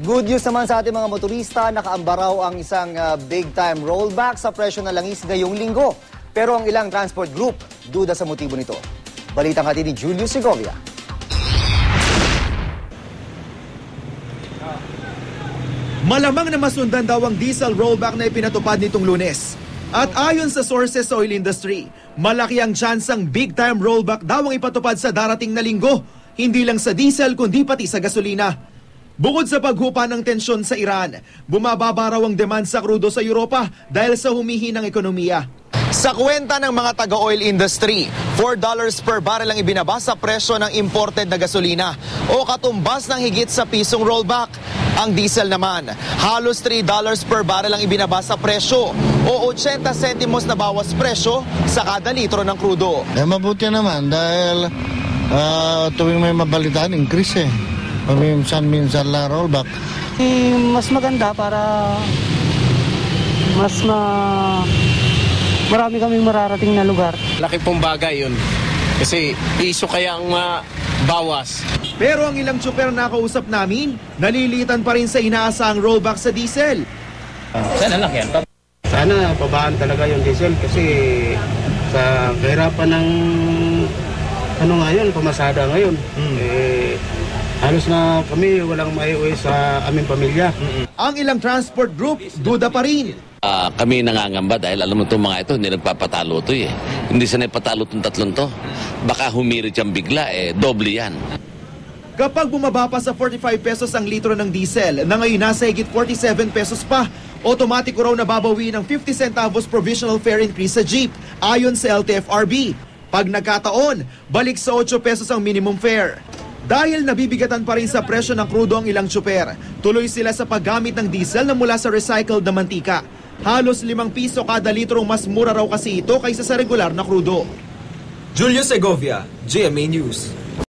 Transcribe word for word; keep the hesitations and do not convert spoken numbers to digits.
Good news naman sa ating mga motorista, nakaambaraw ang isang uh, big-time rollback sa presyo ng langis ngayong linggo. Pero ang ilang transport group, duda sa motibo nito. Balitang hatid ni Julius Segovia. Malamang na masundan daw ang diesel rollback na ipinatupad nitong Lunes. At ayon sa sources sa oil industry, malaki ang tsansang big-time rollback daw ang ipatupad sa darating na linggo. Hindi lang sa diesel kundi pati sa gasolina. Bukod sa paghupa ng tensyon sa Iran, bumababa raw ang demand sa krudo sa Europa dahil sa humihinang ekonomiya. Sa kwenta ng mga taga-oil industry, four dollars per barrel ang ibinaba sa presyo ng imported na gasolina o katumbas ng higit sa pisong rollback. Ang diesel naman, halos three dollars per barrel ang ibinaba sa presyo o eighty centimos na bawas presyo sa kada litro ng krudo. Eh, mabuti naman dahil uh, tuwing may mabalitaan, increase eh. Paminsan-minsan lang rollback. Eh, mas maganda para mas ma... marami kaming mararating na lugar. Laki pong bagay yun. Kasi piso kaya ang uh, bawas. Pero ang ilang tsuper na nakausap namin, nalilitan pa rin sa inaasahang rollback sa diesel. Sana lang yan. Sana pabaan talaga yung diesel kasi sa kahirapan ng ano ngayon, pamasada ngayon. Hmm. Eh, halos na kami walang maiuwi sa aming pamilya. Mm-hmm. Ang ilang transport group, duda pa rin. Uh, kami nangangamba dahil alam mo itong mga ito, hindi nagpapatalo ito eh. Hindi sanay patalo itong tatlong to. Baka humirit yung bigla eh, doble yan. Kapag bumaba pa sa forty-five pesos ang litro ng diesel, na ngayon nasa higit forty-seven pesos pa, otomatiko raw nababawi ng fifty centavos provisional fare increase sa jeep, ayon sa L T F R B. Pag nagkataon, balik sa eight pesos ang minimum fare. Dahil nabibigatan pa rin sa presyo ng krudo ang ilang tsuper, tuloy sila sa paggamit ng diesel na mula sa recycled na mantika. Halos limang piso kada litrong mas mura raw kasi ito kaysa sa regular na krudo. Julius Segovia, G M A News.